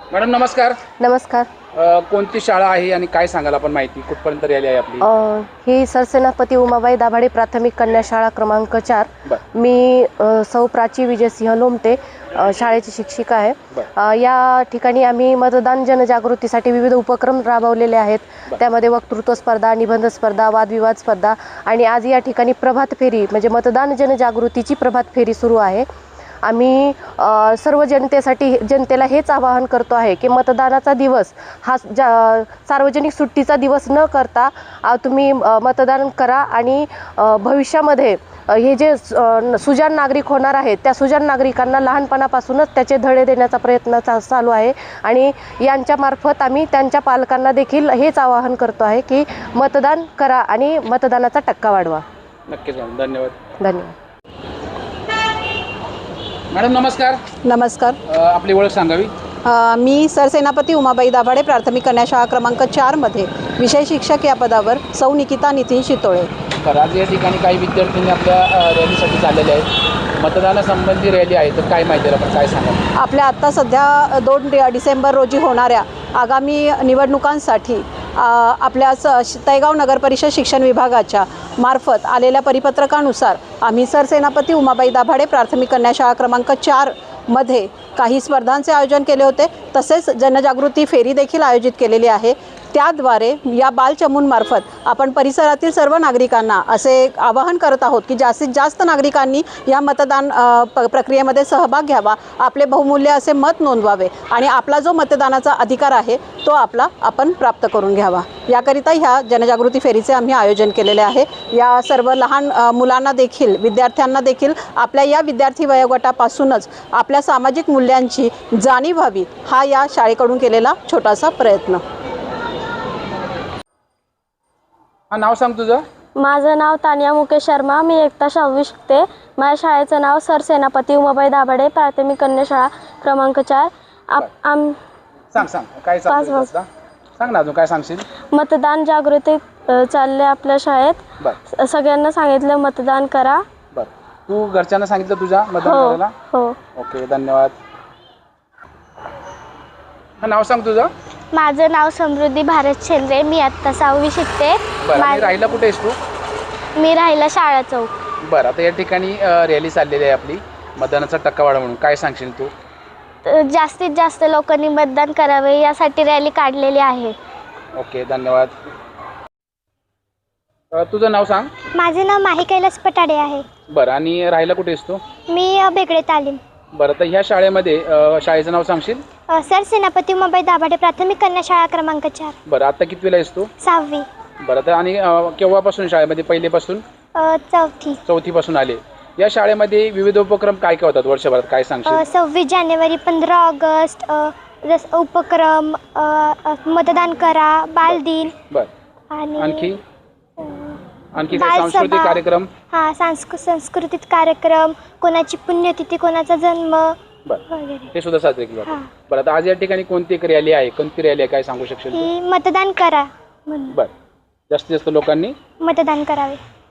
Madam नमस्कार. नमस्कार. कोणती शाळा आहे आणि काय सांगाल आपण माहिती कुठपर्यंत रॅली आहे आपली? ही सरसेनापती उमाबाई दाभाडे प्राथमिक कन्या शाळा क्रमांक 4. मी सौ प्राची विजयसिंह लोमटे शाळेची शिक्षिका आहे. या ठिकाणी आम्ही मतदान जनजागृतीसाठी विविध उपक्रम राबवलेले आहेत. त्यामध्ये वक्तृत्व स्पर्धा, निबंध स्पर्धा, वादविवाद स्पर्धा आणि आज या ठिकाणी प्रभात फेरी म्हणजे मतदान जनजागृतीची प्रभात फेरी सुरू आहे. आम्ही सर्व जनतेला हेच आवाहन करतो आहे की मतदानाचा दिवस हा सार्वजनिक सुट्टीचा दिवस न करता तुम्ही मतदान करा आणि भविष्यामध्ये हे जे सुजाण नागरिक होणार आहेत त्या सुजाण नागरिकांना लहानपणापासूनच त्याचे धडे देण्याचा प्रयत्न चालू आहे आणि यांच्यामार्फत आम्ही त्यांच्या पालकांना देखील हेच आवाहन करतो आहे की मतदान करा आणि मतदानाचा टक्का वाढवा. नक्कीच मॅडम, धन्यवाद. धन्यवाद. मॅडम नमस्कार. नमस्कार. आपली ओळख सांगावी. मी सरसेनापती उमाबाई दाभाडे प्राथमिक कन्या शाळा क्रमांक 4 मध्ये विषय शिक्षक या पदावर सौ निकिता नितीन शितोळे. तर आज या ठिकाणी काही विद्यार्थ्यांनी आपल्या रॅलीसाठी चाललेले आहेत. मतदानासंबंधी रॅली आहे तर काय माहिती आपण काय सांगाल? आपल्या आत्ता सध्या 2 डिसेंबर रोजी होणाऱ्या आगामी निवडणुकांसाठी आपल्या तळेगाव नगरपरिषद शिक्षण विभागाच्या मार्फत आलेल्या परिपत्रकानुसार आम्ही सरसेनापती उमाबाई दाभाडे प्राथमिक कन्या शाळा क्रमांक 4 मध्ये काही स्पर्धांचे आयोजन केले होते. तसेच जनजागृती फेरी देखील आयोजित केलेली आहे. त्याद्वारे या बालचमूंमार्फत आपण परिसरातील सर्व नागरिकांना असे आवाहन करत आहोत की जास्तीत जास्त नागरिकांनी या मतदान प्रक्रियेमध्ये सहभाग घ्यावा, आपले बहुमूल्य असे मत नोंदवावे आणि आपला जो मतदानाचा अधिकार आहे तो आपण प्राप्त करून घ्यावा. याकरिता ह्या जनजागृती फेरीचे आम्ही आयोजन केलेले आहे. या सर्व लहान मुलांना देखील, विद्यार्थ्यांना देखील आपल्या या विद्यार्थी वयोगटापासूनच आपल्या सामाजिक मूल्यांची जाणीव व्हावी हा या शाळेकडून केलेला छोटासा प्रयत्न. नाव सांग तुझं. माझं नाव तानिया मुकेश शर्मा. मी इयत्ता 6वी शिकते. माझ्या शाळेचं नाव सरसेनापती उमाबाई दाभाडे प्राथमिक कन्या शाळा क्रमांक 4. सांग काय सांग ना, अजून काय सांगशील? मतदान जागृती चालले आपल्या शाळेत. सगळ्यांना सांगितलं मतदान करा. तू घरच्यांना सांगितलं तुझ्या मतदान करायला? हो. ओके, धन्यवाद. नाव सांग तुझं. माझं नाव समृद्धी भारत शेंद्रे. मी आत्ता 6वी शिकते. राहिला कुठे आहेस तू? मी राहिला शाळा चौक. बरं, आता या ठिकाणी रॅली चाललेली आहे आपली मतदानाचा टक्का वाढवा म्हणून, काय सांगशील तू? जास्तीत जास्त लोकांनी मतदान करावे यासाठी रॅली काढलेली आहे. ओके, धन्यवाद. तुझं नाव सांग. माझे नाव माही कैलास पटाडे आहे. बरं, आणि राहिला कुठे आहेस तू? मी बेगडे तालीम. बरं, तर ह्या शाळेमध्ये शाळेचं नाव सांगशील? सरसेनापती उमाबाई दाभाडे प्राथमिक कन्या शाळा क्रमांक 4. बरं, आता कितवीला आहेस तू? 6वी. बरं, तर आणि केव्हापासून शाळेमध्ये? पहिलेपासून? 4थी पासून आले. या शाळेमध्ये विविध उपक्रम काय काय होतात वर्षभरात, काय सांगशील? 26 जानेवारी, 15 ऑगस्ट उपक्रम, मतदान करा, बालदिन. बरं, आणि आणखी काय सांस्कृतिक कार्यक्रम? सांस्कृतिक कार्यक्रम, कोणाची पुण्यतिथी, कोणाचा जन्म वगैरे हे सुद्धा साजरे केले जातात. बरं, आता आज या ठिकाणी कोणती रॅली आहे काय सांगू शकशील? ही मतदान करा. बरं, जास्तीत जास्त लोकांनी मतदान करावे.